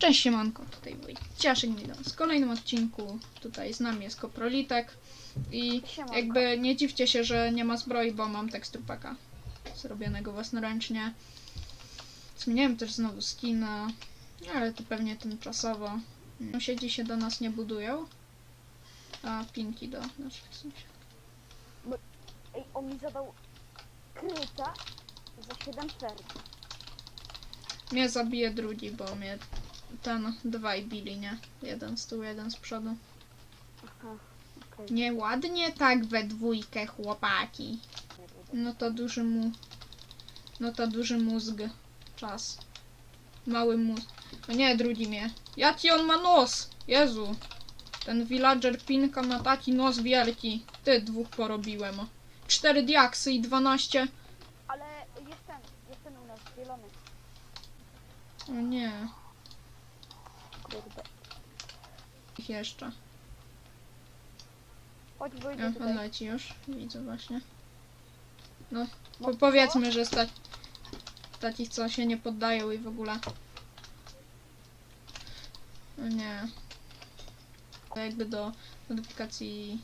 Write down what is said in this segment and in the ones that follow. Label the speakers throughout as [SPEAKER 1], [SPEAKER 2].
[SPEAKER 1] Cześć siemanko, tutaj Wojciaszek Milan. W kolejnym odcinku tutaj z nami jest Koprolitek i
[SPEAKER 2] Siemanko.
[SPEAKER 1] jakby nie dziwcie się, że nie ma zbroi, bo mam teksturpaka zrobionego własnoręcznie. Zmieniałem też znowu skina, ale to pewnie tymczasowo. Sąsiedzi się do nas nie budują, a pinki do naszych sąsiadów.
[SPEAKER 2] Ej, on mi zadał kryta za 7 serc.
[SPEAKER 1] Mnie zabije drugi, bo mnie ten dwaj bili, nie? Jeden z tyłu, jeden z przodu.
[SPEAKER 2] Aha, okej.
[SPEAKER 1] Nieładnie tak we dwójkę, chłopaki. No to duży mózg. Czas. Mały mózg. No nie, drugi mnie. Jaki on ma nos? Jezu. Ten villager Pinka ma taki nos wielki. Ty, dwóch porobiłem. 4 diaksy i 12.
[SPEAKER 2] Ale jest ten u nas, zielony.
[SPEAKER 1] O nie.
[SPEAKER 2] Kurde.
[SPEAKER 1] Ich jeszcze.
[SPEAKER 2] Chodź, wyjdzie
[SPEAKER 1] On
[SPEAKER 2] tutaj.
[SPEAKER 1] leci już. Widzę właśnie. No,
[SPEAKER 2] No
[SPEAKER 1] powiedzmy, że takich, co się nie poddają i w ogóle. No nie. To jakby do modyfikacji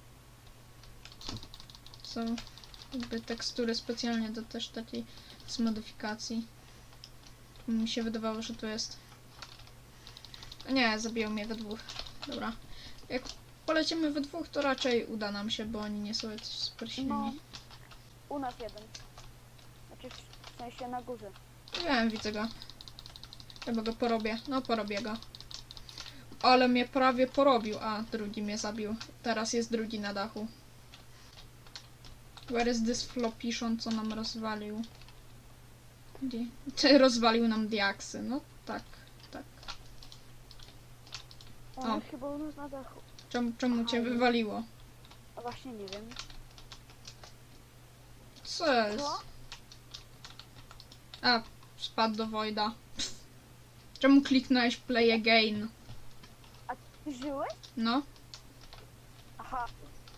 [SPEAKER 1] są jakby tekstury specjalnie do też takiej z modyfikacji. Mi się wydawało, że to jest... Nie, zabiją mnie we dwóch. Dobra. Jak polecimy we dwóch, to raczej uda nam się, bo oni nie są jacyś super silni.
[SPEAKER 2] No, u nas jeden. Znaczy w sensie na górze.
[SPEAKER 1] Wiem, widzę go. Chyba go porobię. No, porobię go. Ale mnie prawie porobił. A, drugi mnie zabił. Teraz jest drugi na dachu. Where is this flopiszon, co nam rozwalił? Gdzie? Czy rozwalił nam diaksy? No, tak, tak.
[SPEAKER 2] On
[SPEAKER 1] O.
[SPEAKER 2] jest chyba u nas na dachu.
[SPEAKER 1] Czemu cię wywaliło?
[SPEAKER 2] A właśnie nie wiem.
[SPEAKER 1] Co jest?
[SPEAKER 2] Co?
[SPEAKER 1] A, spadł do Voida. Pff. Czemu kliknąłeś play again?
[SPEAKER 2] A ty żyłeś?
[SPEAKER 1] No.
[SPEAKER 2] Aha.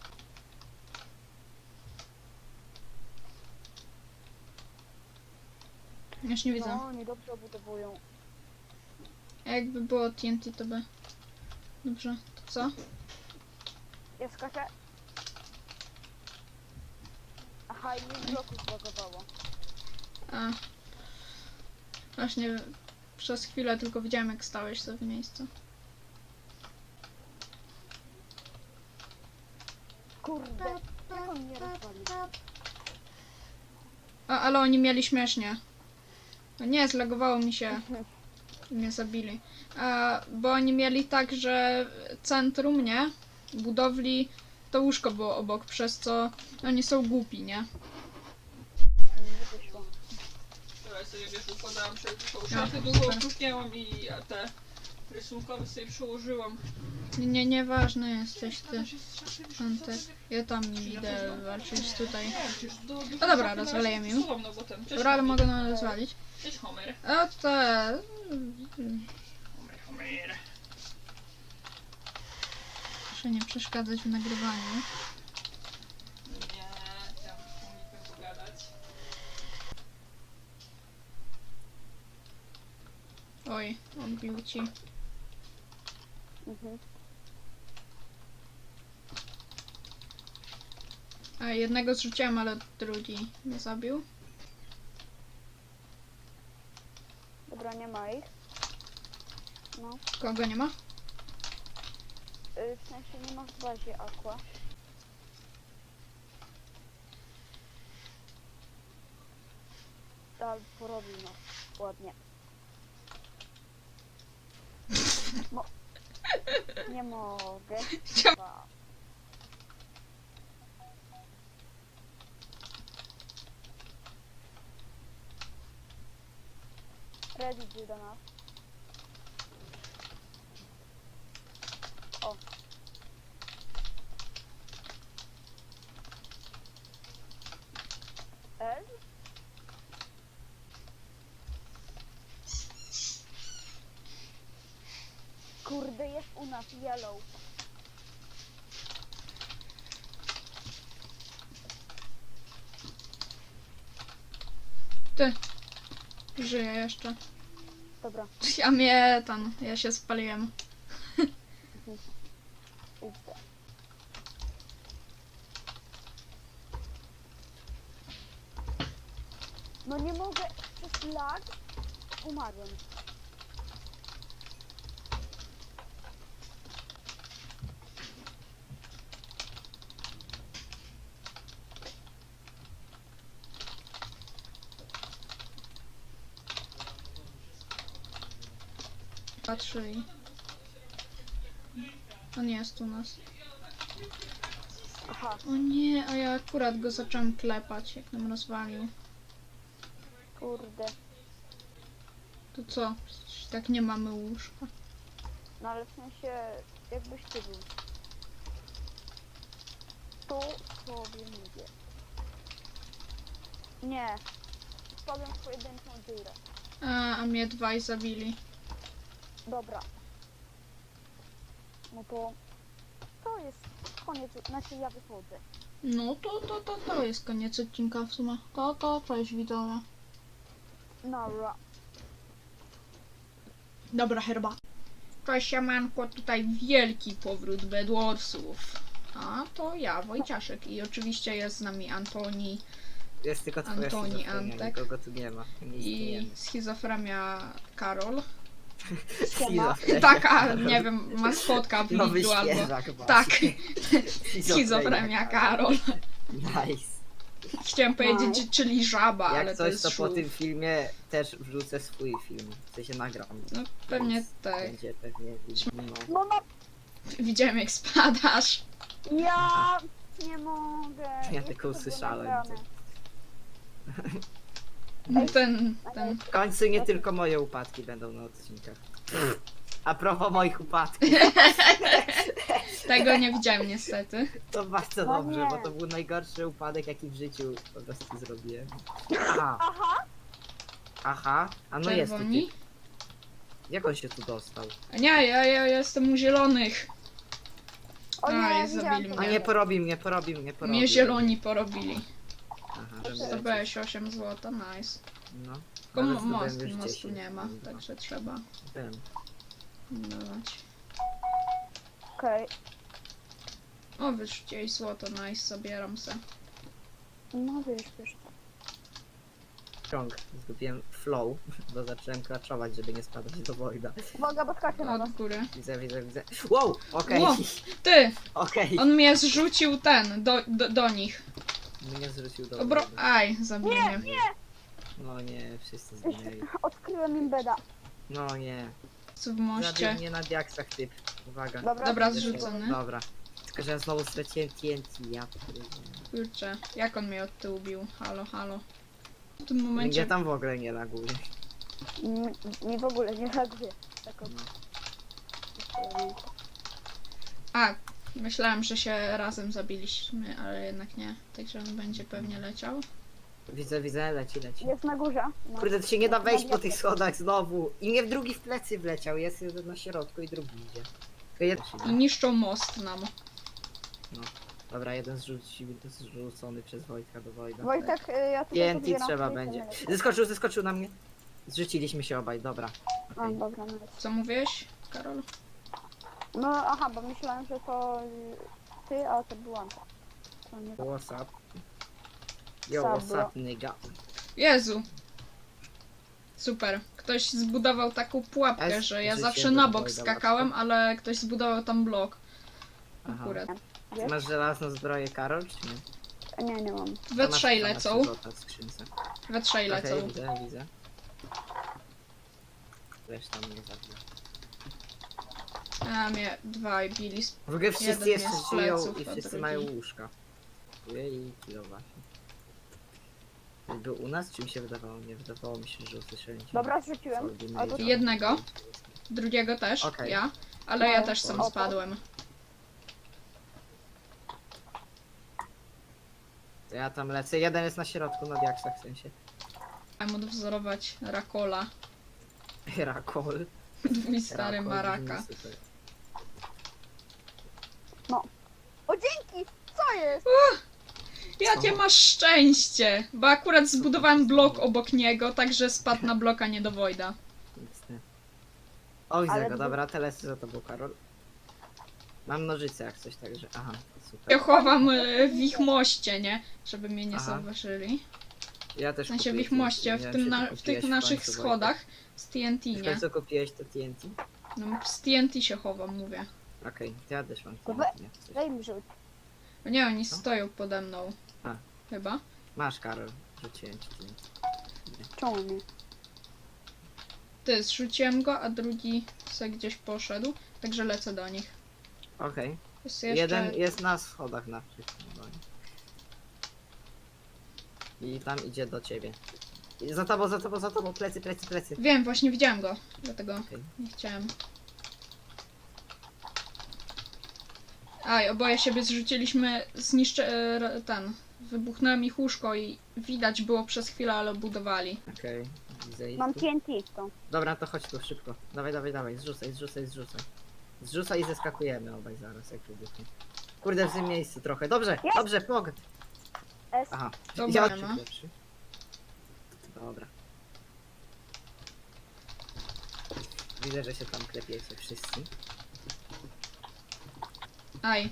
[SPEAKER 1] Już nie widzę.
[SPEAKER 2] No, oni dobrze obudowują.
[SPEAKER 1] A jakby było TNT, to by... Dobrze, to co?
[SPEAKER 2] Ja skaczę. Aha, i mi bloku zbagowało.
[SPEAKER 1] A. Właśnie przez chwilę tylko widziałem, jak stałeś sobie w miejscu.
[SPEAKER 2] Kurde, jak on mnie rozwalił?
[SPEAKER 1] Ale oni mieli śmiesznie. No nie, zlagowało mi się. I mnie zabili. Bo oni mieli tak, że centrum, nie? Budowli, to łóżko było obok, przez co oni są głupi, nie?
[SPEAKER 2] Nie wyszło.
[SPEAKER 3] Teraz sobie wiesz, układałam sobie tą
[SPEAKER 1] No,
[SPEAKER 3] szafę, długo
[SPEAKER 1] super.
[SPEAKER 3] opróżniałam i te rysunkowe sobie przyłożyłam.
[SPEAKER 1] Nieważne jesteś ty.
[SPEAKER 3] To się z szafy
[SPEAKER 1] Antek. Ja tam idę walczyć tutaj.
[SPEAKER 3] No
[SPEAKER 1] dobra, rozwalejemy ją.
[SPEAKER 3] No, bo ten,
[SPEAKER 1] Dobra, ale mogę nas rozwalić.
[SPEAKER 3] Cześć Homer.
[SPEAKER 1] A te...
[SPEAKER 3] Homer.
[SPEAKER 1] Proszę nie przeszkadzać w nagrywaniu.
[SPEAKER 3] Nie, chciałam z Homikiem pogadać.
[SPEAKER 1] Oj, odbił ci.
[SPEAKER 2] Mhm.
[SPEAKER 1] A jednego zrzuciłem, ale drugi mnie zabił.
[SPEAKER 2] Dobra, nie ma ich. No.
[SPEAKER 1] Kogo nie ma?
[SPEAKER 2] W sensie nie ma w bazie aqua. Ale porobił nas ładnie. Nie mogę. Chyba. Ready idzie do nas. O. L? Kurde, jest u nas yellow.
[SPEAKER 1] Ty. Żyje jeszcze.
[SPEAKER 2] Dobra,
[SPEAKER 1] Ja się spaliłem.
[SPEAKER 2] idę. No nie mogę, przez lag umarłem.
[SPEAKER 1] Patrzy i... On jest u nas.
[SPEAKER 2] Aha,
[SPEAKER 1] O nie, a ja akurat go zacząłem klepać, jak nam rozwalił.
[SPEAKER 2] kurde.
[SPEAKER 1] To co? Przecież tak nie mamy łóżka.
[SPEAKER 2] No ale w sensie, jakbyś ty był. Tu sobie mówię. Nie. Spadłem w pojedynczą dziurę.
[SPEAKER 1] A mnie dwaj zabili.
[SPEAKER 2] Dobra. No to jest koniec, znaczy ja wychodzę.
[SPEAKER 1] No to jest koniec odcinka w sumie. Cześć widzowie.
[SPEAKER 2] Nara.
[SPEAKER 1] Dobra, herbata. Cześć siemanko, tutaj wielki powrót Bedwarsów. A to ja, Wojciaszek. I oczywiście jest z nami Antoni
[SPEAKER 4] Jest tylko twoja
[SPEAKER 1] Antoni,
[SPEAKER 4] schizofrenia,
[SPEAKER 1] Antek.
[SPEAKER 4] nikogo tu nie ma. Nie
[SPEAKER 1] i
[SPEAKER 4] istniejemy.
[SPEAKER 1] schizofrenia Karol.
[SPEAKER 4] Schizofrenia.
[SPEAKER 1] Taka, nie wiem, maskotka w
[SPEAKER 4] Nowy
[SPEAKER 1] Lidlu albo...
[SPEAKER 4] świeżak
[SPEAKER 1] Tak,
[SPEAKER 4] właśnie.
[SPEAKER 1] schizofrenia Karol.
[SPEAKER 4] Nice.
[SPEAKER 1] Chciałem powiedzieć,
[SPEAKER 2] Nice.
[SPEAKER 1] czyli żaba, ale
[SPEAKER 4] Jak
[SPEAKER 1] to
[SPEAKER 4] coś,
[SPEAKER 1] jest
[SPEAKER 4] to po
[SPEAKER 1] szluf.
[SPEAKER 4] tym filmie też wrzucę swój film. W sensie nagram.
[SPEAKER 1] No pewnie
[SPEAKER 4] Więc
[SPEAKER 1] tak.
[SPEAKER 4] Będzie pewnie no.
[SPEAKER 2] No
[SPEAKER 1] Widziałem jak spadasz.
[SPEAKER 2] ja nie mogę.
[SPEAKER 4] Ja
[SPEAKER 2] Jest
[SPEAKER 4] tylko
[SPEAKER 2] to było
[SPEAKER 4] usłyszałem
[SPEAKER 2] nagrane.
[SPEAKER 1] Ten.
[SPEAKER 4] W końcu nie tylko moje upadki będą na odcinkach. A propos moich upadków,
[SPEAKER 1] Tego nie widziałem niestety.
[SPEAKER 4] to bardzo
[SPEAKER 2] No
[SPEAKER 4] dobrze,
[SPEAKER 2] nie.
[SPEAKER 4] bo to był najgorszy upadek, jaki w życiu po prostu zrobiłem. Aha,
[SPEAKER 2] Aha,
[SPEAKER 4] aha, a no jest tu
[SPEAKER 1] Czerwoni.
[SPEAKER 4] typ. Jak on się tu dostał?
[SPEAKER 1] A nie, ja jestem u zielonych.
[SPEAKER 2] o
[SPEAKER 1] A,
[SPEAKER 2] nie,
[SPEAKER 1] jest
[SPEAKER 2] widziałam
[SPEAKER 1] zabili
[SPEAKER 2] to.
[SPEAKER 4] A
[SPEAKER 1] mnie.
[SPEAKER 4] nie porobi mnie, porobi mnie, porobi.
[SPEAKER 1] Mnie zieloni porobili.
[SPEAKER 4] Aha, żeby
[SPEAKER 1] Zdobyłeś 8 złota, nice.
[SPEAKER 4] No.
[SPEAKER 1] Tylko
[SPEAKER 4] Nawet zdobyłem
[SPEAKER 1] mostu
[SPEAKER 4] już 10.
[SPEAKER 1] nie ma, także trzeba
[SPEAKER 4] Wiem.
[SPEAKER 1] dawać.
[SPEAKER 2] Okej.
[SPEAKER 1] O, wyrzuciłeś złoto, nice, zabieram se.
[SPEAKER 2] No wiesz.
[SPEAKER 4] Krąg. Zgubiłem flow, bo zacząłem klaczować, żeby nie spadać do Wojda.
[SPEAKER 2] Uwaga, bo skaczę na was.
[SPEAKER 1] Od góry.
[SPEAKER 4] Widzę. Wow! Okej,
[SPEAKER 1] Wow. Ty!
[SPEAKER 4] okej.
[SPEAKER 1] On mnie zrzucił do nich.
[SPEAKER 4] Mnie zrzucił do
[SPEAKER 1] Dobro...
[SPEAKER 4] Wojda.
[SPEAKER 1] Aj, zabił mnie.
[SPEAKER 4] No nie, wszyscy zginęli.
[SPEAKER 2] Odkryłem imbeda.
[SPEAKER 4] No nie.
[SPEAKER 1] Co w moście.
[SPEAKER 4] Zabił mnie na diaksach typ. Uwaga.
[SPEAKER 2] Dobra,
[SPEAKER 1] zrzucony.
[SPEAKER 4] Dobra. Tylko, że ja znowu straciłem TNT, ja pierdolę.
[SPEAKER 1] Kurczę, jak on mnie od tyłu bił? Halo. W tym
[SPEAKER 4] Mnie
[SPEAKER 1] momencie...
[SPEAKER 4] tam w ogóle nie laguje.
[SPEAKER 2] Mi w ogóle nie reaguje. Tak od...
[SPEAKER 4] No.
[SPEAKER 1] A, myślałem, że się razem zabiliśmy, ale jednak nie. Także on będzie pewnie leciał.
[SPEAKER 4] Widzę, leci.
[SPEAKER 2] Jest na górze. No.
[SPEAKER 4] Kurde, to się nie da wejść po tych
[SPEAKER 2] diaksach.
[SPEAKER 4] schodach znowu. I mnie w drugi w plecy wleciał. Jest jeden na środku i drugi idzie. Tylko jeden.
[SPEAKER 1] I niszczą most nam.
[SPEAKER 4] Dobra, jeden zrzucony przez Wojtka do Wojda.
[SPEAKER 2] Wojtek, ja tutaj
[SPEAKER 4] TNT
[SPEAKER 2] podbieram
[SPEAKER 4] trzeba
[SPEAKER 2] sobie
[SPEAKER 4] będzie.
[SPEAKER 2] ten-
[SPEAKER 4] Zeskoczył na mnie. Zrzuciliśmy się obaj, dobra.
[SPEAKER 2] A,
[SPEAKER 4] Okej.
[SPEAKER 2] dobra, no.
[SPEAKER 1] Co mówiłeś, Karol?
[SPEAKER 2] No aha, bo myślałem, że to ty, a to była Anka. To nie...
[SPEAKER 4] What's up? Yo,
[SPEAKER 2] Sabro.
[SPEAKER 4] what's up, nigga?
[SPEAKER 1] Jezu! Super. Ktoś zbudował taką pułapkę,
[SPEAKER 4] Jest
[SPEAKER 1] że ja
[SPEAKER 4] życie
[SPEAKER 1] zawsze na
[SPEAKER 4] do
[SPEAKER 1] bok
[SPEAKER 4] Wojda
[SPEAKER 1] skakałem,
[SPEAKER 4] łatwo.
[SPEAKER 1] ale ktoś zbudował tam blok.
[SPEAKER 4] Aha.
[SPEAKER 1] Akurat.
[SPEAKER 4] Ty masz żelazną zbroję, Karol, czy nie?
[SPEAKER 2] Nie mam.
[SPEAKER 1] We
[SPEAKER 4] To masz-
[SPEAKER 1] trzej
[SPEAKER 4] to masz
[SPEAKER 1] lecą.
[SPEAKER 4] złota w skrzynce.
[SPEAKER 1] We trzej
[SPEAKER 4] Okej,
[SPEAKER 1] lecą.
[SPEAKER 4] widzę. Reszta mnie zabija.
[SPEAKER 1] A mnie dwaj bili.
[SPEAKER 4] W ogóle wszyscy
[SPEAKER 1] Jeden
[SPEAKER 4] jeszcze
[SPEAKER 1] jest z
[SPEAKER 4] żyją
[SPEAKER 1] pleców,
[SPEAKER 4] i
[SPEAKER 1] a
[SPEAKER 4] wszyscy
[SPEAKER 1] drugi-
[SPEAKER 4] mają łóżka. I kilo właśnie. Był u nas, czy mi się wydawało? Nie wydawało mi się, że usłyszałem cię.
[SPEAKER 2] Dobra, zrzuciłem.
[SPEAKER 4] Ordinary
[SPEAKER 2] Albo...
[SPEAKER 4] Jump.
[SPEAKER 1] Jednego. Drugiego też,
[SPEAKER 4] Okej.
[SPEAKER 1] ja. Ale ja
[SPEAKER 2] No,
[SPEAKER 1] też sam
[SPEAKER 2] opo.
[SPEAKER 1] spadłem.
[SPEAKER 4] To ja tam lecę. Jeden jest na środku, na diaksach w sensie.
[SPEAKER 1] Chciałem odwzorować Rakola.
[SPEAKER 4] Rakol.
[SPEAKER 1] Twój stary
[SPEAKER 4] Rakol
[SPEAKER 1] maraka.
[SPEAKER 4] brzmi super.
[SPEAKER 2] O, dzięki! Co jest?
[SPEAKER 1] Jakie masz szczęście! Bo akurat zbudowałem blok obok niego, także spadł na bloka nie do Wojda.
[SPEAKER 4] XD. O, widzę
[SPEAKER 2] Ale
[SPEAKER 4] go,
[SPEAKER 2] gdy-
[SPEAKER 4] dobra, teles za tobą, Karol. Mam nożyce jak coś, także... Aha, to
[SPEAKER 1] Ja
[SPEAKER 4] super.
[SPEAKER 1] chowam w ich moście, nie? Żeby mnie nie
[SPEAKER 4] Aha.
[SPEAKER 1] zauważyli.
[SPEAKER 4] Ja też
[SPEAKER 1] W sensie w
[SPEAKER 4] kupię
[SPEAKER 1] ich
[SPEAKER 4] TNT,
[SPEAKER 1] moście,
[SPEAKER 4] nie
[SPEAKER 1] w,
[SPEAKER 4] wiem,
[SPEAKER 1] tym
[SPEAKER 4] czy ty
[SPEAKER 1] w tych
[SPEAKER 4] kupiłeś w
[SPEAKER 1] naszych
[SPEAKER 4] końcu,
[SPEAKER 1] schodach z TNT,
[SPEAKER 4] Wojtek. W
[SPEAKER 1] nie?
[SPEAKER 4] końcu kupiłeś to TNT?
[SPEAKER 1] No, z TNT się chowam, mówię.
[SPEAKER 4] Okej, to ja też mam
[SPEAKER 2] To
[SPEAKER 4] TNT, jak coś.
[SPEAKER 2] Daj mi rzuć.
[SPEAKER 1] No nie, oni
[SPEAKER 4] Co?
[SPEAKER 1] stoją pode mną.
[SPEAKER 4] A.
[SPEAKER 1] Chyba.
[SPEAKER 4] Masz, Karol, rzuciłem ci TNT.
[SPEAKER 2] Czemu nie?
[SPEAKER 1] Ty, zrzuciłem go, a drugi se gdzieś poszedł. Także lecę do nich.
[SPEAKER 4] Okej.
[SPEAKER 1] Jest jeszcze...
[SPEAKER 4] Jeden jest na schodach na wszystkim. I tam idzie do ciebie. I za tobą, za tobą, za tobą, plecy, plecy, plecy.
[SPEAKER 1] Wiem, właśnie widziałem go. Dlatego
[SPEAKER 4] Okej.
[SPEAKER 1] nie chciałem. Aj, oboje siebie zrzuciliśmy, ten. Wybuchnąłem ich łóżko i widać było przez chwilę, ale budowali.
[SPEAKER 4] Okej, widzę ich
[SPEAKER 2] Mam
[SPEAKER 4] tu.
[SPEAKER 2] TNT to.
[SPEAKER 4] Dobra, to chodź tu szybko. Dawaj, dawaj, dawaj, zrzucaj, zrzucaj, zrzucaj. Zrzucaj i zeskakujemy obaj zaraz, jak wybuchnie. Kurde, w tym miejscu trochę. Dobrze,
[SPEAKER 2] Jest!
[SPEAKER 4] dobrze, pog.
[SPEAKER 2] S.
[SPEAKER 4] Aha,
[SPEAKER 1] Dobra,
[SPEAKER 4] ja
[SPEAKER 1] no.
[SPEAKER 4] pierwszy. Dobra. Widzę, że się tam klepiecie wszyscy.
[SPEAKER 1] Aj,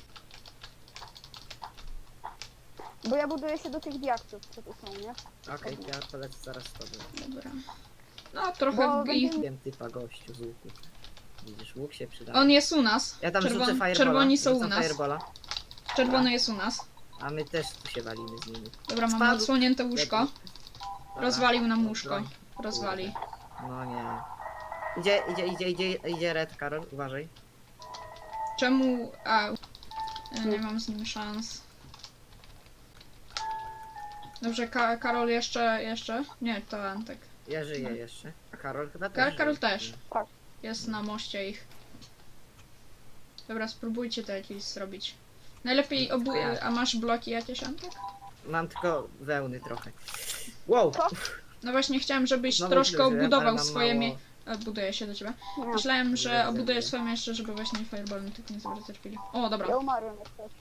[SPEAKER 2] Bo ja buduję się do tych diaktów, co tu są, nie?
[SPEAKER 4] Okej, ja polecę zaraz z tobą.
[SPEAKER 1] dobra. No, trochę
[SPEAKER 2] Bo
[SPEAKER 1] ich...
[SPEAKER 2] będziemy-
[SPEAKER 4] Wiem typa gościu z łuku. Widzisz, łuk się przyda.
[SPEAKER 1] On jest u nas.
[SPEAKER 4] Ja tam rzucę firebola.
[SPEAKER 1] Czerwoni są u
[SPEAKER 4] rzucam
[SPEAKER 1] nas.
[SPEAKER 4] Firebola,
[SPEAKER 1] Czerwony jest u nas.
[SPEAKER 4] a my też tu się walimy z nimi.
[SPEAKER 1] Dobra, mamy
[SPEAKER 4] Spadł.
[SPEAKER 1] odsłonięte łóżko.
[SPEAKER 4] Dobra.
[SPEAKER 1] Rozwalił nam łóżko.
[SPEAKER 4] Broń.
[SPEAKER 1] Rozwali.
[SPEAKER 4] No nie. Idzie Red, Karol, uważaj.
[SPEAKER 1] Czemu... A... Nie mam z nim szans. Dobrze, Karol jeszcze? Nie, to Antek.
[SPEAKER 4] Ja żyję jeszcze. A Karol chyba też żyje.
[SPEAKER 1] Karol też.
[SPEAKER 2] Tak.
[SPEAKER 1] Jest na moście ich. Dobra, spróbujcie to jakieś zrobić. Najlepiej
[SPEAKER 4] Tylko ja.
[SPEAKER 1] A masz bloki jakieś, Antek?
[SPEAKER 4] Mam tylko wełny trochę. Wow!
[SPEAKER 2] Co?
[SPEAKER 1] No właśnie chciałem, żebyś
[SPEAKER 4] Znowu
[SPEAKER 1] troszkę
[SPEAKER 4] źle żyłem, ale
[SPEAKER 1] obudował
[SPEAKER 4] mam
[SPEAKER 1] swoje
[SPEAKER 4] mało-
[SPEAKER 1] Buduję się do ciebie.
[SPEAKER 2] Nie.
[SPEAKER 1] Myślałem, że
[SPEAKER 4] Źle
[SPEAKER 1] obudujesz
[SPEAKER 4] żyję.
[SPEAKER 1] swoje miejsce, żeby właśnie fireballem tylko nie zawracać chwili. O, dobra.
[SPEAKER 2] Ja umarłem jak coś.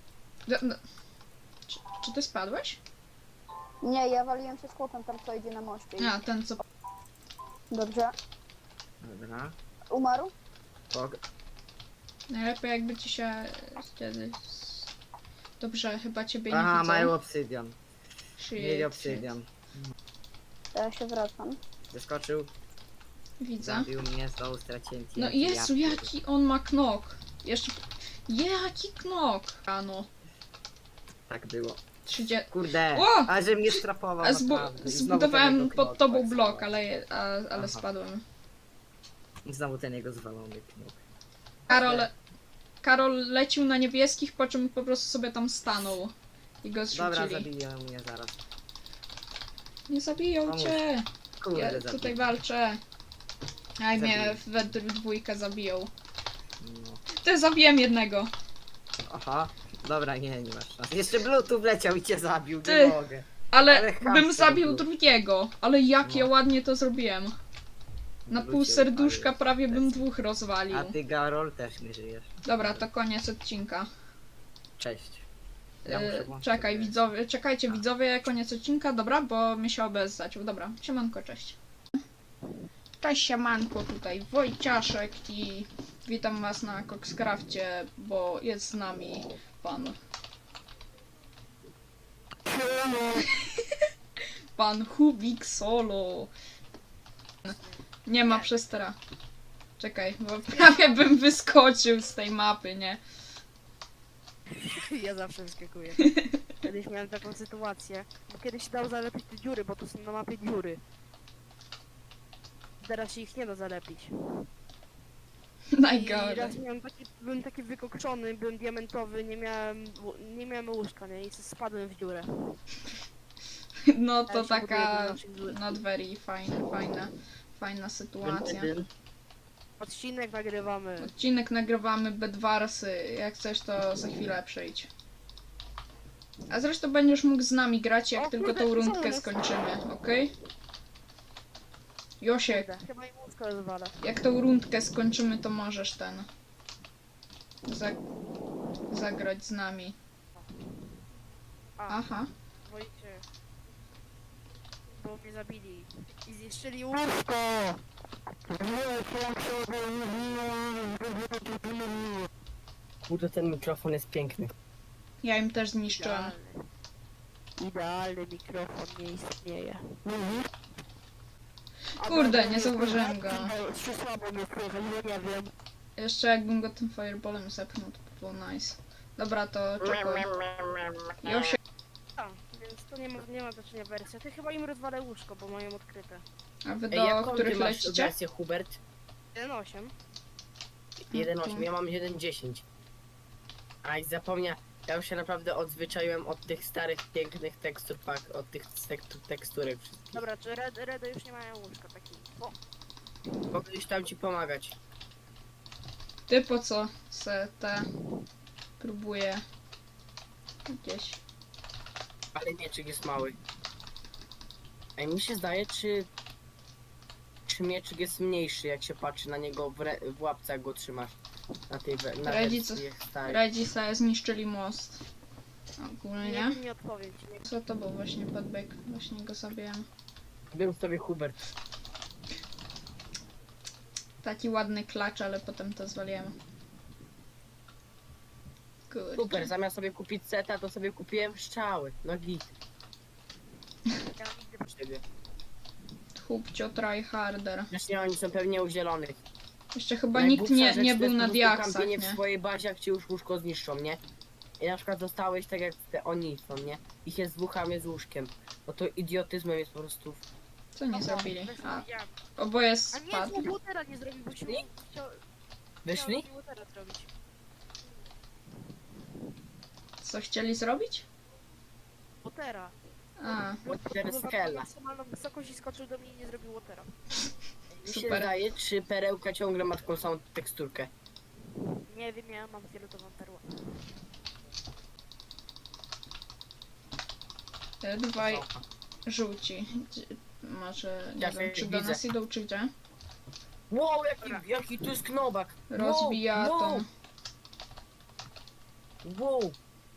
[SPEAKER 1] Czy ty spadłeś?
[SPEAKER 2] Nie, ja waliłem się z chłopem tam, co idzie na moście.
[SPEAKER 1] A, ten co...
[SPEAKER 2] Dobrze.
[SPEAKER 4] Dobra.
[SPEAKER 2] Umarł?
[SPEAKER 4] Pog.
[SPEAKER 1] Najlepiej jakby ci się wtedy... Dobrze, chyba ciebie nie
[SPEAKER 4] Aha,
[SPEAKER 1] widzą.
[SPEAKER 4] mają obsydian.
[SPEAKER 1] Shit,
[SPEAKER 4] Mieli
[SPEAKER 1] shit.
[SPEAKER 4] obsydian.
[SPEAKER 2] To ja się wracam.
[SPEAKER 4] Zeskoczył,
[SPEAKER 1] Widzę.
[SPEAKER 4] zabił mnie, znowu straciłem TNT.
[SPEAKER 1] No Jezu,
[SPEAKER 4] Ja
[SPEAKER 1] jaki on ma knok. Jeszcze... Jaki knok! Rano.
[SPEAKER 4] Tak było.
[SPEAKER 1] 30...
[SPEAKER 4] Kurde,
[SPEAKER 1] O!
[SPEAKER 4] a że mnie strapował
[SPEAKER 1] A
[SPEAKER 4] naprawdę. I znowu ten
[SPEAKER 1] zbudowałem
[SPEAKER 4] jego
[SPEAKER 1] pod
[SPEAKER 4] knok
[SPEAKER 1] tobą
[SPEAKER 4] tak
[SPEAKER 1] blok,
[SPEAKER 4] zwalony.
[SPEAKER 1] ale
[SPEAKER 4] Aha.
[SPEAKER 1] spadłem.
[SPEAKER 4] I znowu ten jego zwalony knok.
[SPEAKER 1] Karol lecił na niebieskich, po czym po prostu sobie tam stanął. I go
[SPEAKER 4] Dobra,
[SPEAKER 1] zrzucili.
[SPEAKER 4] zabiję mnie zaraz.
[SPEAKER 1] Nie zabiją
[SPEAKER 4] Pomóż.
[SPEAKER 1] cię!
[SPEAKER 4] Kurde,
[SPEAKER 1] Ja
[SPEAKER 4] zabiję.
[SPEAKER 1] tutaj walczę. Aj, mnie
[SPEAKER 4] Zabiję.
[SPEAKER 1] we dwójkę zabiją.
[SPEAKER 4] No.
[SPEAKER 1] Ty, zabiłem jednego.
[SPEAKER 4] Aha, dobra, nie masz szans. Jeszcze Bluetooth wleciał i cię zabił,
[SPEAKER 1] Ty.
[SPEAKER 4] nie mogę.
[SPEAKER 1] Ale
[SPEAKER 4] Ale chamstwo
[SPEAKER 1] bym zabił
[SPEAKER 4] było.
[SPEAKER 1] drugiego. Ale jak
[SPEAKER 4] No.
[SPEAKER 1] ja ładnie to zrobiłem. Na pół
[SPEAKER 4] Bluetooth
[SPEAKER 1] serduszka
[SPEAKER 4] odpalił.
[SPEAKER 1] prawie bym dwóch rozwalił.
[SPEAKER 4] A ty, Garol, też nie żyjesz.
[SPEAKER 1] Dobra, to koniec odcinka.
[SPEAKER 4] Cześć. Ja muszę włączyć
[SPEAKER 1] Czekaj,
[SPEAKER 4] sobie-
[SPEAKER 1] widzowie, czekajcie widzowie, koniec odcinka, dobra, bo mi się OBS zaciął. Dobra, siemanko, cześć. Cześć, siemanko, tutaj Wojciaszek i witam was na Coxcrafcie, bo jest z nami pan... Pan Hubik Solo. Nie ma przestera. Czekaj, bo prawie bym wyskoczył z tej mapy, nie?
[SPEAKER 5] Ja zawsze wyskakuję. Kiedyś miałem taką sytuację, bo kiedyś się dało zalepić te dziury, bo tu są na mapie dziury. Teraz się ich nie da zalepić. I
[SPEAKER 1] Najgorzej.
[SPEAKER 5] raz byłem taki wykokszony, byłem diamentowy, nie miałem łóżka, nie? I spadłem w dziurę.
[SPEAKER 1] No to
[SPEAKER 5] Teraz się buduję do
[SPEAKER 1] taka
[SPEAKER 5] naszych dziur.
[SPEAKER 1] not very fajna sytuacja.
[SPEAKER 5] Odcinek nagrywamy.
[SPEAKER 1] Odcinek nagrywamy Bedwarsy, jak chcesz to za chwilę przyjdź. A zresztą będziesz mógł z nami grać, jak
[SPEAKER 5] O
[SPEAKER 1] tylko
[SPEAKER 5] kurde,
[SPEAKER 1] tą
[SPEAKER 5] co
[SPEAKER 1] rundkę
[SPEAKER 5] jest?
[SPEAKER 1] skończymy, okej? Josiek,
[SPEAKER 5] Kurde, chyba im łóżko rozwala.
[SPEAKER 1] jak tą rundkę skończymy, to możesz ten... zagrać z nami.
[SPEAKER 5] A,
[SPEAKER 1] Aha.
[SPEAKER 5] Wojcie. Bo mnie zabili. I zniszczyli łóżko!
[SPEAKER 6] Kurde, ten mikrofon jest piękny.
[SPEAKER 1] Ja im też zniszczyłem.
[SPEAKER 5] Idealny. Idealny mikrofon nie istnieje.
[SPEAKER 1] Kurde, nie zauważyłem go.
[SPEAKER 5] Czy słabo mnie słychać, bo nie wiem.
[SPEAKER 1] Jeszcze jakbym go tym fireballem zepchnął, to by było nice. Dobra, to czekaj. Josio,
[SPEAKER 5] A, więc to nie ma znaczenia wersja. Ty chyba im rozwalę łóżko, bo mają odkryte.
[SPEAKER 1] a wy
[SPEAKER 6] Ej,
[SPEAKER 1] do
[SPEAKER 6] jaką ty
[SPEAKER 1] których
[SPEAKER 6] masz
[SPEAKER 1] lecicie?
[SPEAKER 6] wersję, Hubert?
[SPEAKER 5] 1.8.
[SPEAKER 6] 1.8, ja mam 1.10. Aj, zapomniałem. Ja już się naprawdę odzwyczaiłem od tych starych, pięknych tekstur pak, od tych teksturek wszystkich.
[SPEAKER 5] Dobra, czy Redy już nie mają łóżka takich. O,
[SPEAKER 6] Mogę już tam ci pomagać.
[SPEAKER 1] Ty po co se te próbuję jakieś.
[SPEAKER 6] Ale mieczyk jest mały. Ej, mi się zdaje, czy mieczyk jest mniejszy, jak się patrzy na niego w łapce, jak go trzymasz. Na tej na
[SPEAKER 1] Rodzice-
[SPEAKER 6] wersji starej.
[SPEAKER 1] Radzi sobie zniszczyli most. Ogólnie.
[SPEAKER 5] nie odpowiem ci. Nie.
[SPEAKER 1] Co to był właśnie podbieg? Właśnie go zabiłem.
[SPEAKER 6] Był sobie Hubert.
[SPEAKER 1] Taki ładny klacz, ale potem to zwaliłem.
[SPEAKER 6] Super,
[SPEAKER 1] Kurczę.
[SPEAKER 6] zamiast sobie kupić seta, to sobie kupiłem strzały. No git.
[SPEAKER 5] Ja nigdy
[SPEAKER 6] Po ciebie.
[SPEAKER 1] Chłopcio tryharder.
[SPEAKER 6] Zresztą oni są pewnie u zielonych.
[SPEAKER 1] Jeszcze chyba
[SPEAKER 6] Najgłupsza
[SPEAKER 1] nikt nie
[SPEAKER 6] rzecz to
[SPEAKER 1] był
[SPEAKER 6] jest
[SPEAKER 1] na
[SPEAKER 6] po prostu
[SPEAKER 1] diaksach,
[SPEAKER 6] kampienie w
[SPEAKER 1] nie?
[SPEAKER 6] swojej bazie, jak ci już łóżko zniszczą, nie? I na przykład zostałeś tak jak oni są, nie? Ich jest dwóch, a mnie z łóżkiem. No to idiotyzmem jest po prostu.
[SPEAKER 1] Co nie zrobili?
[SPEAKER 5] Weź
[SPEAKER 1] A,
[SPEAKER 5] widziałem.
[SPEAKER 1] oboje
[SPEAKER 5] A nie,
[SPEAKER 1] spadli.
[SPEAKER 5] tu Watera nie zrobił, bo się chciał
[SPEAKER 6] Wyszli?
[SPEAKER 5] Watera zrobić.
[SPEAKER 1] Co chcieli zrobić?
[SPEAKER 5] Watera.
[SPEAKER 1] A,
[SPEAKER 6] Teraz Hella.
[SPEAKER 5] Maksymalną wysokość i skoczył do mnie i nie zrobił Watera.
[SPEAKER 6] Mi się
[SPEAKER 1] Super.
[SPEAKER 6] zdaje, czy perełka ciągle ma taką samą teksturkę.
[SPEAKER 5] Nie wiem, ja mam fioletową perłę.
[SPEAKER 1] dwaj żółci. Może, nie
[SPEAKER 6] Ja
[SPEAKER 1] wiem, czy
[SPEAKER 6] się
[SPEAKER 1] do
[SPEAKER 6] widzę.
[SPEAKER 1] nas idą, czy gdzie?
[SPEAKER 6] Wow, jaki tu jest knobak!
[SPEAKER 1] Rozbija
[SPEAKER 6] wow,
[SPEAKER 1] to.
[SPEAKER 6] Wow!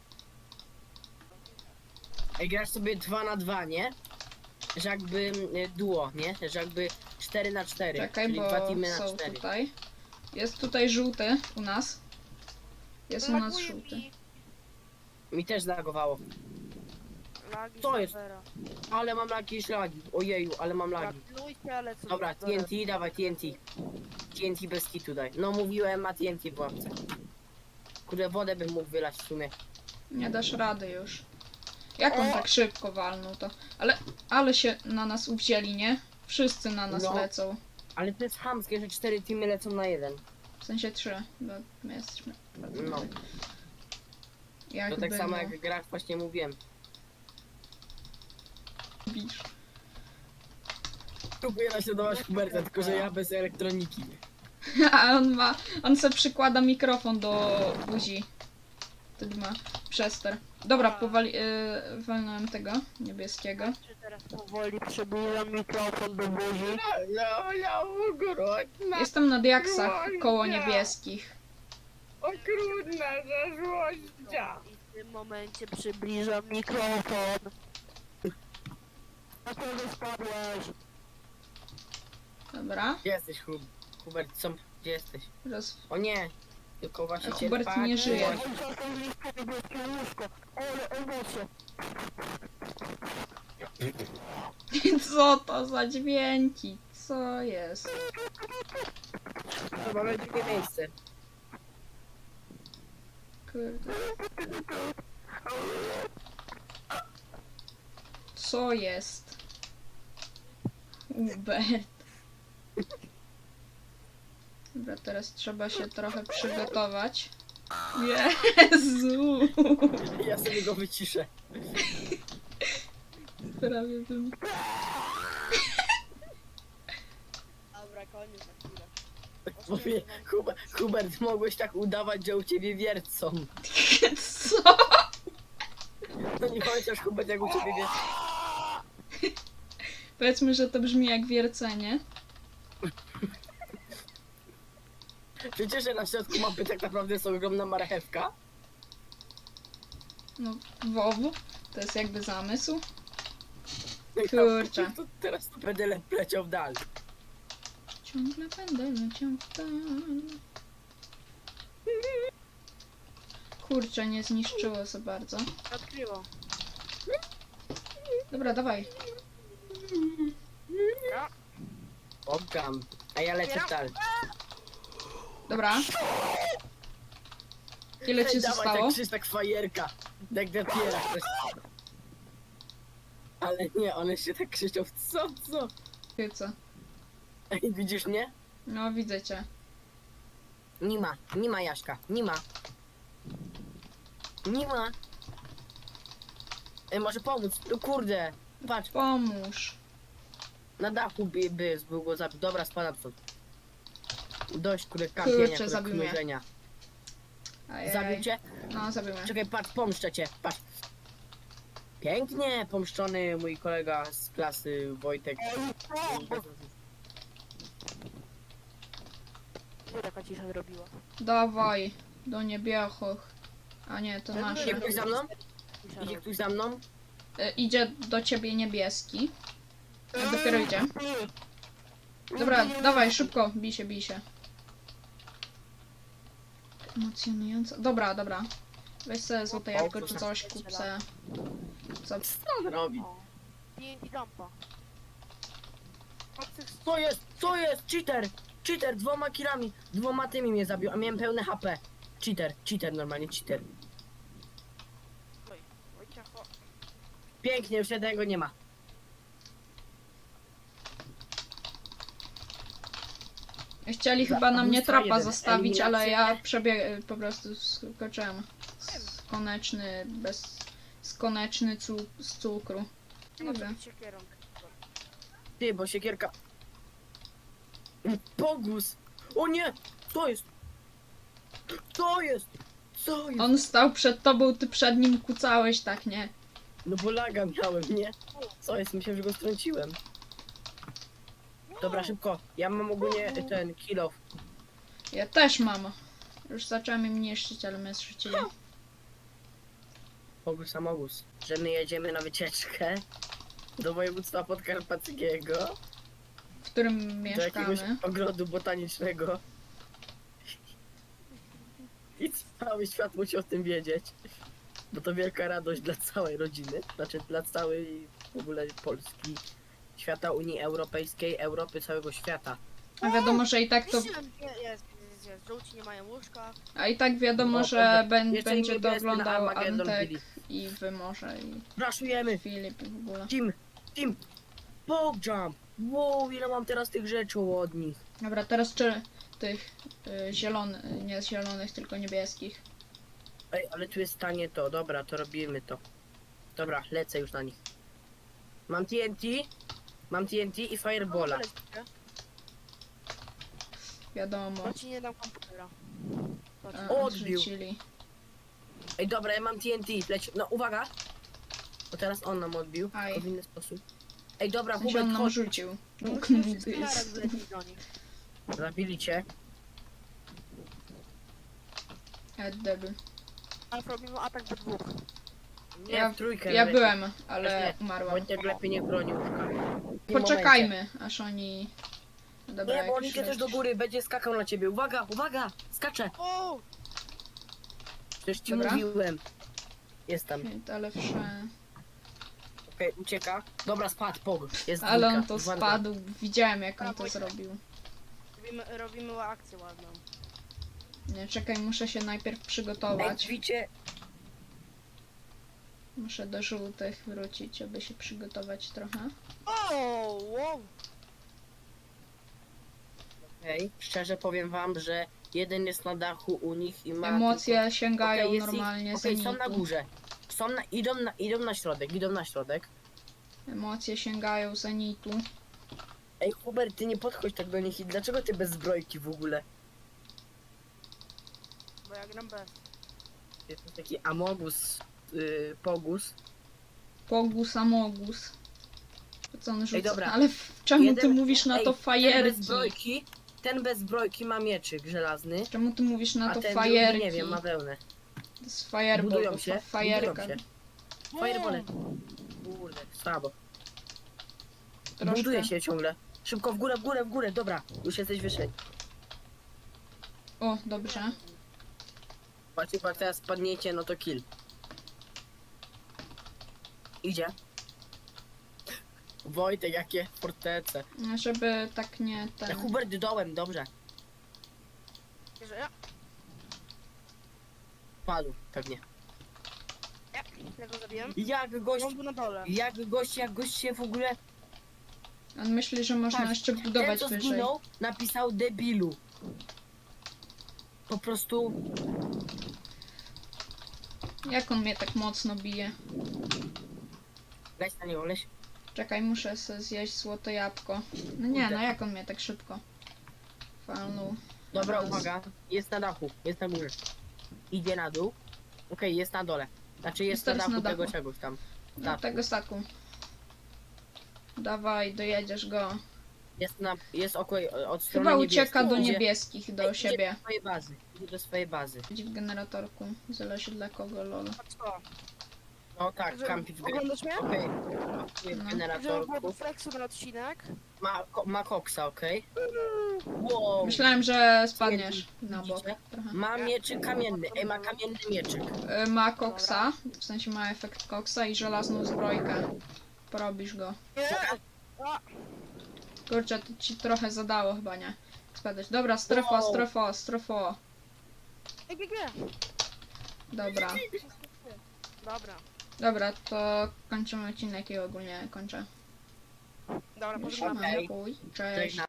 [SPEAKER 6] Ej, grasz sobie 2 na 2, nie? Że jakby duo, nie? Że jakby 4 na 4.
[SPEAKER 1] Czekaj,
[SPEAKER 6] czyli
[SPEAKER 1] bo
[SPEAKER 6] 2 teamy na
[SPEAKER 1] są
[SPEAKER 6] 4.
[SPEAKER 1] tutaj. Jest tutaj żółty u nas. Jest u nas
[SPEAKER 5] Laguje
[SPEAKER 1] żółty.
[SPEAKER 5] mi.
[SPEAKER 6] Mi też zlagowało.
[SPEAKER 5] Lagi
[SPEAKER 6] Co jest?
[SPEAKER 5] serwera.
[SPEAKER 6] Ale mam jakieś lagi. Ojeju, ale mam lagi.
[SPEAKER 5] Gratulujcie, ale co?
[SPEAKER 6] Dobra, TNT, dawaj TNT. TNT bez kitu daj. No mówiłem, ma TNT w łapce. Kurde, wodę bym mógł wylać w sumie.
[SPEAKER 1] Nie dasz rady już. Jak on
[SPEAKER 5] O!
[SPEAKER 1] tak szybko walnął to? Ale się na nas uwzięli, nie? Wszyscy na nas
[SPEAKER 6] No.
[SPEAKER 1] lecą.
[SPEAKER 6] Ale to jest chamskie, że 4 teamy lecą na 1.
[SPEAKER 1] W sensie 3, bo my jesteśmy.
[SPEAKER 6] No,
[SPEAKER 1] Jakby
[SPEAKER 6] to tak samo
[SPEAKER 1] no,
[SPEAKER 6] jak grach właśnie mówiłem.
[SPEAKER 1] bisz.
[SPEAKER 6] Próbuję naśladować Huberta, tylko że ja bez elektroniki.
[SPEAKER 1] A on se przykłada mikrofon do buzi. Wtedy ma przester. Dobra, walnąłem tego niebieskiego.
[SPEAKER 5] Czy teraz powoli przybliżam mikrofon do buzi?
[SPEAKER 6] Okrutna,
[SPEAKER 1] Jestem na diaksach koło niebieskich.
[SPEAKER 6] okrutna złościa.
[SPEAKER 5] I w tym momencie przybliżam mikrofon. Dlaczego spadłeś?
[SPEAKER 1] Dobra.
[SPEAKER 6] Gdzie jesteś, Hubert? Gdzie jesteś? O nie, tylko właśnie cię
[SPEAKER 1] Hubert
[SPEAKER 6] tak
[SPEAKER 1] nie żyje.
[SPEAKER 5] Ale emocje.
[SPEAKER 1] Co to za dźwięki? Co jest?
[SPEAKER 6] To mamy drugie miejsce.
[SPEAKER 1] Kurde. Co jest? Hubert. Dobra, teraz trzeba się trochę przygotować. Jezu!
[SPEAKER 6] Ja sobie go wyciszę.
[SPEAKER 1] Prawie bym...
[SPEAKER 5] Dobra, koniec na chwilę.
[SPEAKER 6] Mówię, Hubert, mogłeś tak udawać, że u ciebie wiercą.
[SPEAKER 1] Co?
[SPEAKER 6] No nie chociaż Hubert, jak u ciebie wiercą.
[SPEAKER 1] Powiedzmy, że to brzmi jak wiercenie.
[SPEAKER 6] Wiecie, że na środku mapy tak naprawdę jest ogromna marchewka?
[SPEAKER 1] No, WoW. To jest jakby zamysł.
[SPEAKER 6] No i
[SPEAKER 1] Kurczę.
[SPEAKER 6] teraz to będę leciał dalej.
[SPEAKER 1] Ciągle będę leciał w dal. Kurczę, nie zniszczyło za bardzo.
[SPEAKER 5] Odkryło.
[SPEAKER 1] Dobra, dawaj.
[SPEAKER 6] Obgam. A ja lecę w dal.
[SPEAKER 1] Dobra. Ile ci
[SPEAKER 6] Dawaj,
[SPEAKER 1] zostało?
[SPEAKER 6] tak krzyż, tak fajerka. Tak dopiera ktoś. Ale nie, one się tak krzyczą. Co?
[SPEAKER 1] Ty co?
[SPEAKER 6] Ej, widzisz mnie?
[SPEAKER 1] No, widzę cię.
[SPEAKER 6] Nie ma Jaśka, nie ma. Nie ma. Ej, może pomóc? No kurde. Patrz,
[SPEAKER 1] Pomóż.
[SPEAKER 6] na dachu był go zabił. Dobra, spadam stąd. Dość, kurde, kampienia,
[SPEAKER 1] Kurczę, zabił mnie.
[SPEAKER 6] knurzenia.
[SPEAKER 1] Ajaj.
[SPEAKER 6] Zabił cię?
[SPEAKER 1] No, zabił mnie.
[SPEAKER 6] Czekaj, patrz, pomszczę cię, patrz. Pięknie pomszczony mój kolega z klasy, Wojtek.
[SPEAKER 5] Co taka cisza zrobiła?
[SPEAKER 1] Dawaj. Do niebiechoch. A nie, to
[SPEAKER 6] Idzie
[SPEAKER 1] nasze.
[SPEAKER 6] ktoś za mną?
[SPEAKER 5] Cisza
[SPEAKER 6] Idzie
[SPEAKER 5] robi.
[SPEAKER 6] ktoś za mną?
[SPEAKER 1] Idzie do ciebie niebieski. Dopiero idzie. Dobra, dawaj, szybko. Bij się. Emocjonująco. Dobra. Weź sobie złote jabłko czy coś, kup se. Co?
[SPEAKER 6] Co on robi?
[SPEAKER 5] O. TNT dumpa.
[SPEAKER 6] Co jest? Cheater, 2 killami, 2 tymi mnie zabił, a miałem pełne HP. Cheater, normalnie cheater.
[SPEAKER 5] Wojciecho.
[SPEAKER 6] Pięknie, już jednego nie ma.
[SPEAKER 1] Chcieli chyba na mnie
[SPEAKER 6] Lista
[SPEAKER 1] trapa
[SPEAKER 6] jeden.
[SPEAKER 1] zastawić, ale ja
[SPEAKER 6] Eliminacja.
[SPEAKER 1] po prostu skoczyłem. Skoneczny z cukru. Nie
[SPEAKER 5] Może
[SPEAKER 1] wiem.
[SPEAKER 5] być siekierą.
[SPEAKER 6] Ty, bo siekierka... Pogus! O nie! Co jest?
[SPEAKER 1] On stał przed tobą, ty przed nim kucałeś, tak nie?
[SPEAKER 6] No bo laga miałem, nie? Co jest? Myślałem, że go strąciłem. Dobra, szybko. Ja mam ogólnie ten kill off.
[SPEAKER 1] Ja też mam. Już zacząłem im niszczyć, ale mnie zrzucili.
[SPEAKER 6] Pogus samogus. Że my jedziemy na wycieczkę do województwa podkarpackiego,
[SPEAKER 1] W którym
[SPEAKER 6] do jakiegoś
[SPEAKER 1] mieszkamy.
[SPEAKER 6] ogrodu botanicznego. I cały świat musi o tym wiedzieć. Bo to wielka radość dla całej rodziny. Znaczy dla całej w ogóle Polski, świata Unii Europejskiej, Europy, całego świata.
[SPEAKER 1] A wiadomo, że i tak to...
[SPEAKER 5] Jest. Żółci nie mają łóżka.
[SPEAKER 1] A i tak wiadomo,
[SPEAKER 6] O,
[SPEAKER 1] że
[SPEAKER 6] jeszcze
[SPEAKER 1] będzie to
[SPEAKER 6] niebieski na
[SPEAKER 1] oglądał
[SPEAKER 6] Armageddon
[SPEAKER 1] Antek
[SPEAKER 6] bili.
[SPEAKER 1] i wy może i
[SPEAKER 6] Raszujemy!
[SPEAKER 1] Filip i w ogóle.
[SPEAKER 6] Team! Pog jump! Wow, ile mam teraz tych rzeczy od nich.
[SPEAKER 1] Dobra, teraz czy tych zielonych, nie zielonych, tylko niebieskich.
[SPEAKER 6] Ej, ale tu jest tanie to, dobra, to robimy to. Dobra, lecę już na nich. Mam TNT i Firebola.
[SPEAKER 1] Wiadomo.
[SPEAKER 5] Bo ci nie dam komputera. Patrz.
[SPEAKER 6] Odbił.
[SPEAKER 1] Odrzucili.
[SPEAKER 6] Ej, dobra, ja mam TNT, leć. No, uwaga! Bo teraz on nam odbił,
[SPEAKER 1] Aj.
[SPEAKER 6] tylko w inny sposób. Ej, dobra,
[SPEAKER 1] W sensie on
[SPEAKER 6] Hubert,
[SPEAKER 1] nam
[SPEAKER 6] chodź.
[SPEAKER 1] rzucił.
[SPEAKER 5] No,
[SPEAKER 1] Łuk
[SPEAKER 5] musimy
[SPEAKER 1] nigdy
[SPEAKER 5] wszyscy naraz
[SPEAKER 1] jest.
[SPEAKER 5] wlecieć do nich.
[SPEAKER 6] Zabili cię.
[SPEAKER 1] Debil.
[SPEAKER 5] A robimy atak we dwóch.
[SPEAKER 6] Nie,
[SPEAKER 1] Ja-
[SPEAKER 6] w trójkę.
[SPEAKER 1] Ja
[SPEAKER 6] lepiej.
[SPEAKER 1] byłem, ale
[SPEAKER 6] Też nie.
[SPEAKER 1] umarłam.
[SPEAKER 6] Wojtek lepiej nie broni łóżka. W tym
[SPEAKER 1] Poczekajmy, aż oni... Dobra,
[SPEAKER 6] momencie. Nie, bo
[SPEAKER 1] jak
[SPEAKER 6] on
[SPEAKER 1] już
[SPEAKER 6] idzie też do
[SPEAKER 1] lecisz.
[SPEAKER 6] góry, będzie skakał na ciebie. Uwaga, skacze!
[SPEAKER 5] O!
[SPEAKER 6] Przecież ci
[SPEAKER 1] Dobra.
[SPEAKER 6] mówiłem. Jest tam.
[SPEAKER 1] Ale wsze...
[SPEAKER 6] Okej, ucieka. Dobra, spadł, pog. Jest
[SPEAKER 1] Ale on
[SPEAKER 6] dwójka,
[SPEAKER 1] to
[SPEAKER 6] dwa-
[SPEAKER 1] spadł. Widziałem, jak on
[SPEAKER 5] A,
[SPEAKER 1] to
[SPEAKER 5] Wojtek.
[SPEAKER 1] zrobił.
[SPEAKER 5] Robimy akcję ładną.
[SPEAKER 1] Nie, czekaj, muszę się najpierw
[SPEAKER 6] Ej,
[SPEAKER 1] przygotować.
[SPEAKER 6] widzicie?
[SPEAKER 1] Muszę do żółtych wrócić, aby się przygotować trochę.
[SPEAKER 5] O! Wow!
[SPEAKER 6] Ej, szczerze powiem wam, że jeden jest na dachu u nich i ma...
[SPEAKER 1] Emocje sięgają
[SPEAKER 6] Okej, jest
[SPEAKER 1] normalnie
[SPEAKER 6] Okej, są na
[SPEAKER 1] zenitu.
[SPEAKER 6] górze. Idą na środek.
[SPEAKER 1] Emocje sięgają zenitu.
[SPEAKER 6] Ej, Hubert, ty nie podchodź tak do nich i dlaczego ty bez zbrojki w ogóle?
[SPEAKER 5] Bo ja gram bez.
[SPEAKER 6] Jest taki Amogus, Pogus.
[SPEAKER 1] Pogus Amogus. To co on rzuca?
[SPEAKER 6] dobra.
[SPEAKER 1] Ale czemu ty
[SPEAKER 6] Jeden-
[SPEAKER 1] mówisz na
[SPEAKER 6] ej,
[SPEAKER 1] to
[SPEAKER 6] Ten bez
[SPEAKER 1] fajerki?
[SPEAKER 6] zbrojki, ten bez zbrojki ma mieczyk żelazny,
[SPEAKER 1] Czemu ty mówisz na
[SPEAKER 6] a
[SPEAKER 1] to
[SPEAKER 6] ten
[SPEAKER 1] fajerki?
[SPEAKER 6] drugi, nie wiem, ma wełnę.
[SPEAKER 1] To jest fireball,
[SPEAKER 6] Budują
[SPEAKER 1] bo
[SPEAKER 6] się,
[SPEAKER 1] fajerka.
[SPEAKER 6] budują się. Firebole. Kurde, słabo.
[SPEAKER 1] Troszkę.
[SPEAKER 6] Buduje się ciągle. Szybko w górę, w górę, w górę, dobra. Już jesteś wyżej.
[SPEAKER 1] O, dobrze.
[SPEAKER 6] Patrzcie, jak teraz spadniecie, no to kill. Idzie. Wojtek, jakie fortece.
[SPEAKER 1] Żeby tak nie
[SPEAKER 6] Ja
[SPEAKER 1] ten...
[SPEAKER 6] Hubert dołem, dobrze.
[SPEAKER 5] Że ja?
[SPEAKER 6] Padł, pewnie.
[SPEAKER 5] Ja go zabiłem.
[SPEAKER 6] Jak gość,
[SPEAKER 5] On był na dole.
[SPEAKER 6] jak gość się w ogóle...
[SPEAKER 1] On myśli, że można
[SPEAKER 6] Tak,
[SPEAKER 1] jeszcze
[SPEAKER 6] Ten,
[SPEAKER 1] budować
[SPEAKER 6] co
[SPEAKER 1] wyżej.
[SPEAKER 6] zginął, napisał debilu. Po prostu...
[SPEAKER 1] Jak on mnie tak mocno bije?
[SPEAKER 6] Leś na niego, leś.
[SPEAKER 1] Czekaj, muszę sobie zjeść złote jabłko. No nie, no jak on mnie tak szybko falnął?
[SPEAKER 6] Dobra,
[SPEAKER 1] Raz.
[SPEAKER 6] uwaga. Jest na dachu, jest na górze. Idzie na dół. Okej, jest na dole. Znaczy jest na
[SPEAKER 1] teraz
[SPEAKER 6] dachu
[SPEAKER 1] na
[SPEAKER 6] tego
[SPEAKER 1] dachu.
[SPEAKER 6] czegoś tam.
[SPEAKER 1] No
[SPEAKER 6] Tak.
[SPEAKER 1] tego staku. Dawaj, dojedziesz go.
[SPEAKER 6] Jest od strony
[SPEAKER 1] Chyba ucieka do
[SPEAKER 6] niebieskiej.
[SPEAKER 1] niebieskich, do siebie.
[SPEAKER 6] Do swojej bazy. Idzie do swojej bazy.
[SPEAKER 1] Siedzi w generatorku. Zależy dla kogo, lol.
[SPEAKER 5] A co?
[SPEAKER 6] No tak,
[SPEAKER 5] Że-
[SPEAKER 6] kampi w
[SPEAKER 5] Oglądasz mnie?
[SPEAKER 6] Okej.
[SPEAKER 1] No.
[SPEAKER 5] Żeby było
[SPEAKER 6] Generatorku.
[SPEAKER 5] do flexu ten odcinek.
[SPEAKER 6] Ma koksa, okej. Wow.
[SPEAKER 1] Myślałem, że spadniesz na bok
[SPEAKER 6] Widzicie?
[SPEAKER 1] trochę.
[SPEAKER 6] Ma mieczyk kamienny. Ej, ma kamienny mieczyk.
[SPEAKER 1] Ma koksa, w sensie ma efekt koksa i żelazną zbrojkę. Porobisz go.
[SPEAKER 5] Nie!
[SPEAKER 1] Kurczę, to ci trochę zadało chyba, nie? Spadać. Dobra, strefa,
[SPEAKER 6] Wow.
[SPEAKER 1] strefa, strefa.
[SPEAKER 5] GG!
[SPEAKER 1] Dobra.
[SPEAKER 5] Dobra.
[SPEAKER 1] Dobra, to kończymy odcinek i ogólnie kończę.
[SPEAKER 5] Dobra,
[SPEAKER 6] Okej.
[SPEAKER 5] pożegnamy.
[SPEAKER 1] Siema, chuj. Cześć.
[SPEAKER 6] Żegnam.